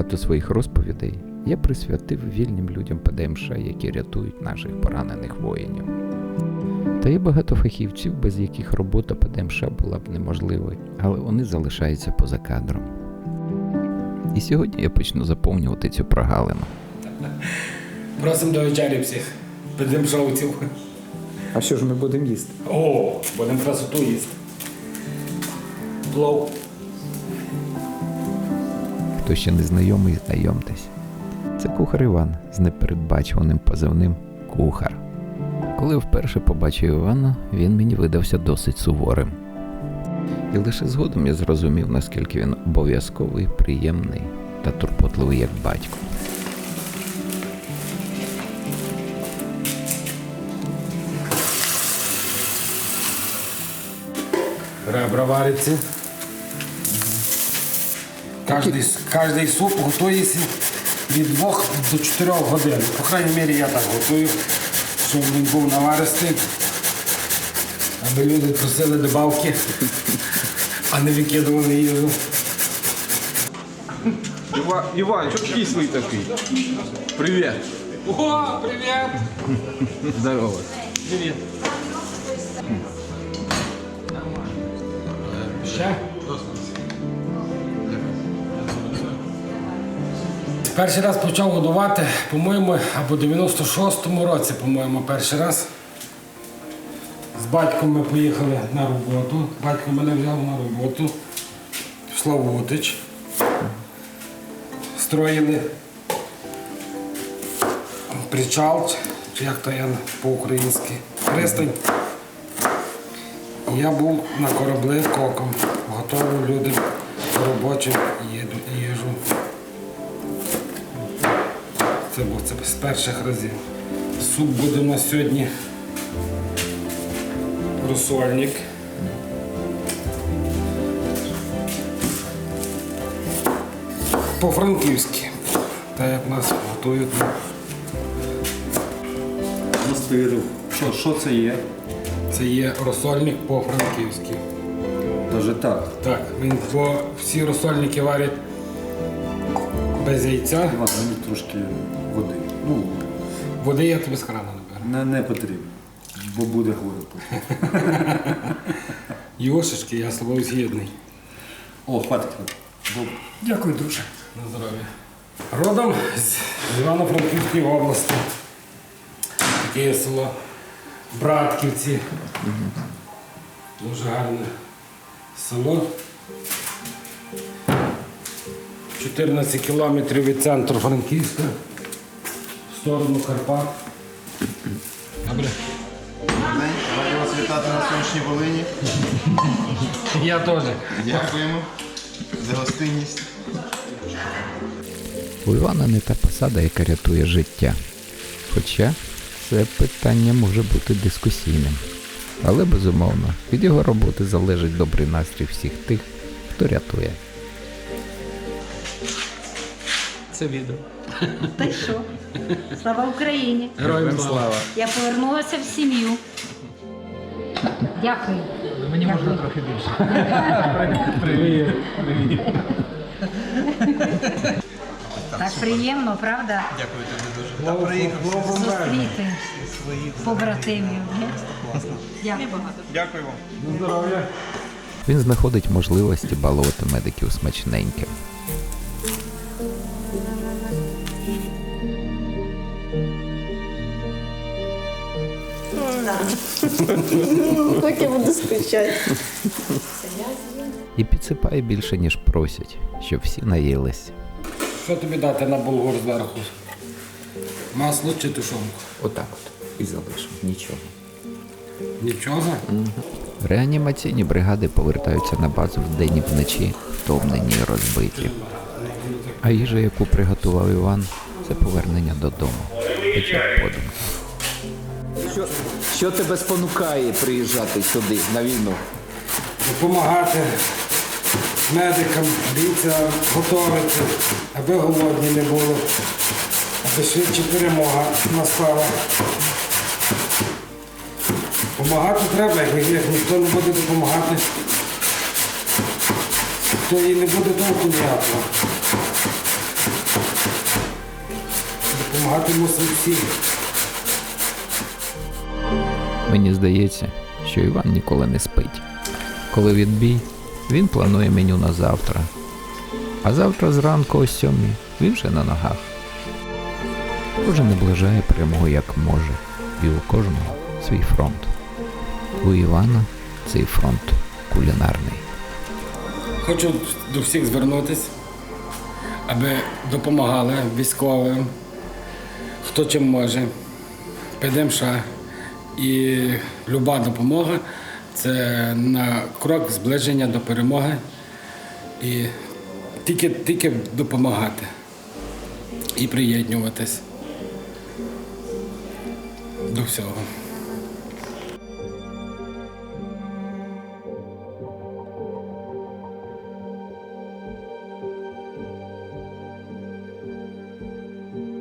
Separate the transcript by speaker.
Speaker 1: багато своїх розповідей я присвятив вільним людям ПДМШ, які рятують наших поранених воїнів. Та є багато фахівців, без яких робота ПДМШ була б неможливою, але вони залишаються поза кадром. І сьогодні я почну заповнювати цю прогалину.
Speaker 2: Просимо до вечері всіх ПДМШовців.
Speaker 3: А що ж ми будемо їсти?
Speaker 2: О, будемо красоту їсти. Плов.
Speaker 1: Хто ще не знайомий, знайомтесь. Це кухар Іван з непередбачуваним позивним «Кухар». Коли вперше побачив Івана, він мені видався досить суворим. І лише згодом я зрозумів, наскільки він обов'язковий, приємний та турботливий як батько.
Speaker 2: Ребра варяться. Кожний суп готується від 2 до 4 годин. По крайній мірі я так готую, щоб він був наваристий, аби люди просили добавки, а не викидували їжу.
Speaker 3: Іван, що кислий такий? Привіт.
Speaker 2: О, привіт!
Speaker 3: Здорово.
Speaker 2: Привіт. Ще? Перший раз почав годувати, по-моєму, або в 96-му році, по-моєму, перший раз. З батьком ми поїхали на роботу. Батько мене взяв на роботу в Славутич. Строїли причал, чи як то я по-українськи, пристань. І я був на кораблі коком, готував людям робочу їжу. Це був з перших разів. Суп буде у нас сьогодні розсольник. По-франківськи, так як нас готують.
Speaker 4: Мастирів. Що це є?
Speaker 2: Це є розсольник по-франківськи.
Speaker 4: Даже так.
Speaker 2: Так, бо всі розсольники варять без яйця.
Speaker 4: Іван, мені трошки води. Ну,
Speaker 2: Води я тобі з крана наберу.
Speaker 4: не потрібно, бо буде горе потім.
Speaker 2: Йошечки, я з тобою згідний.
Speaker 4: О, хватить. Добре.
Speaker 2: Дякую, друже. На здоров'я. Родом з Івано-Франківської області. Таке село Братківці. Дуже гарне село. 14 кілометрів від центру Франківська. В сторону Карпат. Добре.
Speaker 5: Раді вас вітати на сонячній Волині.
Speaker 2: Я теж.
Speaker 5: Дякуємо за гостинність.
Speaker 1: У Івана не та посада, яка рятує життя. Хоча це питання може бути дискусійним. Але, безумовно, від його роботи залежить добрий настрій всіх тих, хто рятує.
Speaker 2: Це відео.
Speaker 6: Та й що? Слава Україні!
Speaker 2: Героям слава.
Speaker 6: Я повернулася в сім'ю. Дякую.
Speaker 2: Мені можна трохи більше. Привіт.
Speaker 6: Так приємно, правда?
Speaker 5: Дякую тобі дуже.
Speaker 6: Зустріти побратимів. Дякую.
Speaker 5: Дякую вам.
Speaker 2: Здоров'я.
Speaker 1: Він знаходить можливості балувати медиків смачненьким.
Speaker 7: Так я буду скучати.
Speaker 1: І підсипає більше, ніж просять, щоб всі наїлись.
Speaker 2: Що тобі дати на булгур зверху? Масло чи тушонку?
Speaker 3: Отак от. І залишимо. Нічого.
Speaker 2: Нічого?
Speaker 1: Реанімаційні бригади повертаються на базу вдень і вночі, втомлені і розбиті. А їжа, яку приготував Іван, це повернення додому. Хоча б подумки.
Speaker 3: Що тебе спонукає приїжджати сюди, на війну?
Speaker 2: Допомагати медикам, бійцям готувати, аби голодні не було, аби швидше перемога настала. Помагати треба, як ніхто не буде допомагати, то і не буде толку ніякого. Допомагати мусимо всім.
Speaker 1: Мені здається, що Іван ніколи не спить. Коли відбій, він планує меню на завтра. А завтра зранку о 7 він вже на ногах. Кожен наближає перемогу як може, і у кожного свій фронт. У Івана цей фронт кулінарний.
Speaker 2: Хочу до всіх звернутися, аби допомагали військовим, хто чим може. ПДМШ. І люба допомога – це на крок зближення до перемоги. І тільки допомагати і приєднуватись до всього.